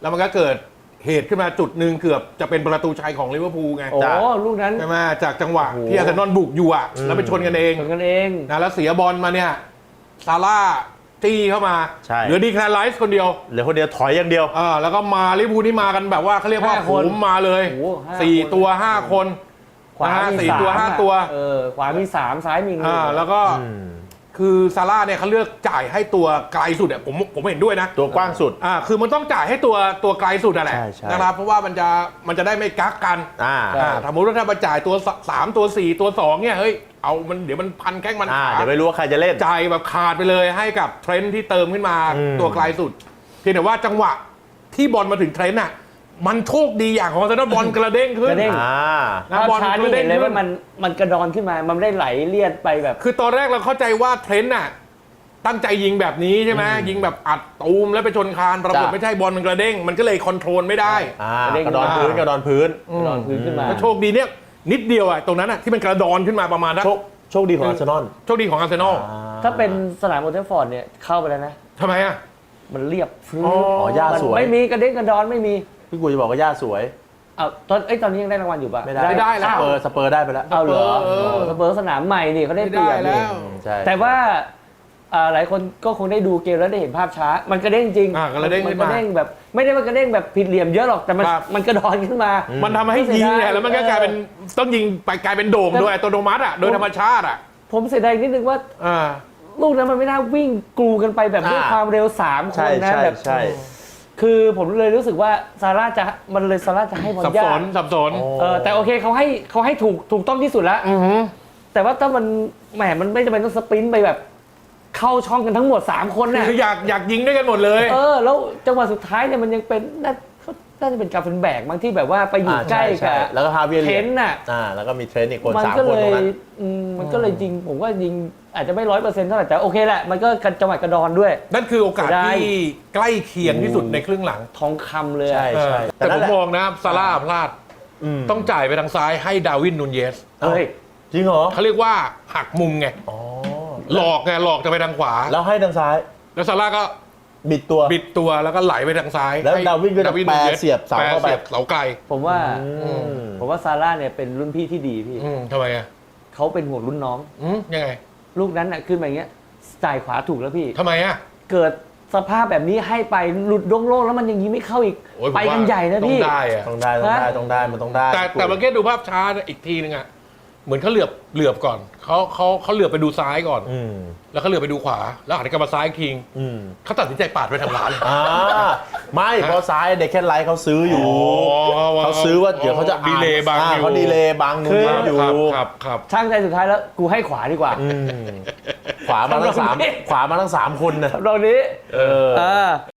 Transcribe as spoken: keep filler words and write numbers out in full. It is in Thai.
แล้วมันก็เกิดเหตุขึ้นมาจุดหนึ่งเกือบจะเป็นประตูชัยของลิเวอร์พูลไงโอ้ลูกนั้นใช่ไหมจากจังหวะที่อาร์เซนอลบุกอยู่อ่ะแล้วไปชนกันเองชนกันเองนะแล้วเสียบอลมาเนี่ยซาร่าจี้เข้ามาใช่เหลือดีแคลร์ไรส์คนเดียวเหลือคนเดียวถอยอย่างเดียวอ่าแล้วก็มาลิเวอร์พูลนี่มากันแบบว่าเขาเรียกว่าห้าโหคนมมาเลยโอ้โหห้าสี่คนตัวห้าคนขวานะฮะมีสี่สามตัวห้าอะตัวเออขวามีสามซ้ายมีหนึ่งอ่าแล้วก็อืมคือซาร่าเนี่ยเขาเลือกจ่ายให้ตัวไกลสุดอ่ะผมผมเห็นด้วยนะตัวกว้างสุดอ่าคือมันต้องจ่ายให้ตัวตัวไกลสุดอ่ะแหละใช่ใช่นะครับเพราะว่ามันจะมันจะได้ไม่กักกันอ่าอ่าสมมติว่าถ้ามาจ่ายตัวสามตัวสี่ตัวสองเนี่ยเฮ้ยเอามันเดี๋ยวมันพันแข้งมันอ่าขาเดี๋ยวไม่รู้ว่าใครจะเล่นจ่ายแบบขาดไปเลยให้กับเทรนด์ที่เติมขึ้นมาอืมตัวไกลสุดเพียงแต่ว่าจังหวะที่บอลมาถึงเทรนด์อ่ะมันโชคดีอย่างของอาร์เซนอลบอลกระเด้งขึ้นกระเด้งอ่านะภาพบอลช้าก นี่ระเด้เห็งนเลยขึ้ว่าน มันมันกระดอนขึ้นมา มันไม่ได้ไหลเลียดไปแบบคือตอนแรกเราเข้าใจว่าเทรนด์น่ะตั้งใจยิงแบบนี้ใช่ไหมอืมยิงแบบอัดตูมแล้วไปชนคานปรากฏจ้ะไม่ใช่บอลมันกระเด้งมันก็เลยคอนโทรลไม่ได้อ่าเด้งกระดอนพื้นกระดอนพื้นกระดอนพื้นขึ้นมาแล้วโชคดีเนี่ยนิดเดียวอะตรงนั้นอะที่มันกระดอนขึ้นมาประมาณนั้นโชคโชคดีของอาร์เซนอลโชคดีของอาร์เซนอลอ่ถ้าเป็นสนามโอลด์แทรฟฟอร์ดเนี่ยเข้าไปแล้วนะทำไมอะมันเรียบฟื้นอ๋ออ๋อย่าสวยไม่มีกระเด้งกระดอนไม่มีพี่กูจะบอกว่าย่าสวยเอาตอนไอ้ยตอนนี้ยังได้รางวัลอยู่ปะไม่ได้ไม่ได้แล้สวเปอร์สเปอร์ได้ไปแล้วเอาเหรอเออสเปอร์สนามใหม่นี่เขาได้ไม่เปรีได้ยบแล้นี่วใช่แต่ว่าอ่าหลายคนก็คงได้ดูเกมแล้วได้เห็นภาพช้า มันกระเด้งจริงอ่ากระเด้งมัขึ้นกมาระเด้งแบบไม่ได้ว่ากระเด้งแบบผิดเหลี่ยมเยอะหรอกแต่มันครับมันกระดอนขึ้นมามันทำให้ยิงเนี่ยแล้วมันก็กลายเป็นต้องยิงไปกลายเป็นโด่งโดยอัตโนมัติอะโดยธรรมชาติอะผมเสียดายนิดนึงว่าอ่าลูกนั้นมันไม่น่าวิ่งกรูกันไปแบบด้วยอ่าความเร็วสามคใช่นนะใช่แบบใช่คือผมเลยรู้สึกว่าซาร่าจะมันเลยซาร่าจะให้บอลสับยาสกนสับสนโอ้เออแต่โอเคเขาให้เขาให้ถูกถูกต้องที่สุดแล้วอือหือแต่ว่าถ้ามันแหมมันไม่จำเป็นต้องสปรินต์ไปแบบ เข้าช่องกันทั้งหมดสามคนน่ะคืออยากอยากยิงด้วยกันหมดเลยเออแล้วจังหวะสุดท้ายเนี่ยมันยังเป็นน่าเขาน่าจะเป็นกาเฟนแบกบางที่แบบว่าไปอยู่อ่าใกล้ช่กับช่แล้วก็ฮาเวียร์เทเลียนน่ะอ่าแล้วก็มีเทรนต์อีกคนมันสามก็คนเลตรยงนั้นอืมมันก็เลยยิงผมว่ายิงอาจจะไม่ร้อยเปอร์เซ็นต์เท่าไหร่แต่โอเคแหละมันก็จังหวะกระดอนด้วยนั่นคือโอกาสได้ที่ใกล้เคียงที่สุดในครึ่งหลังทองคำเลยอะใช่เออใช่แต่ผนั่นมแหละมองนะซาร่าพลาดมต้องจ่ายไปทางซ้ายให้ดาร์วินนูนเยสเฮ้ยจริงเหรอเขาเรียกว่าหักมุมไงอ๋อหลอกไงหลอกจะไปทางขวาแล้วให้ทางซ้ายแล้วซาร่าก็บิดตัวบิดตัวแล้วก็ไหลไปทางซ้ายแล้วให้ดาร์วินก็จะดร์แปรนูนเสียบเสาเข้าไปแปรสียบเสาไกลผมว่าอืมผมว่าซาร่าเนี่ยเป็นรุ่นพี่ที่ดีพี่อืมทำไมอ่ะเขาเป็นห่วงรุ่นน้องอืมยังไงลูกนั้นน่ะขึ้นมาอย่างเงี้ยจ่ายขวาถูกแล้วพี่ทำไมอ่ะเกิดสภาพแบบนี้ให้ไปหลุดโล่งๆแล้วมันยังยิงไม่เข้าอีกโอ้ยผมไปกันว่าใหญ่นะพี่ต้องได้อ่ะต้องได้ต้องได้ฮะต้องได้มันต้องได้แต่แต่เมื่อกี้ดูภาพช้าอีกทีนึงอ่ะเหมือนเขาเหลือบเหลือบก่อนเขาเขาเขาเหลือบไปดูซ้ายก่อนอืมแล้วเขาเหลือบไปดูขวา แล้วหันกลับมาซ้ายอีกทีอืมเขาตัดสินใจปาดไปทางร้านเลยอ่าไม่เพราะซ้ายเด็กแค่ไลท์เขาซื้ออยู่อ๋อเขาซื้อว่าเดี๋ยวเขาจะดีเลย์บางอ่อยู่เขาดีเลย์บางนูคือนอยู่ครับครับครับช่างใจสุดท้ายแล้วกูให้ขวาดีกว่าอืมขวามาทั้งสามทำเราไม่ขวามาทั้งสามคนนะตรงนี้เอออ่า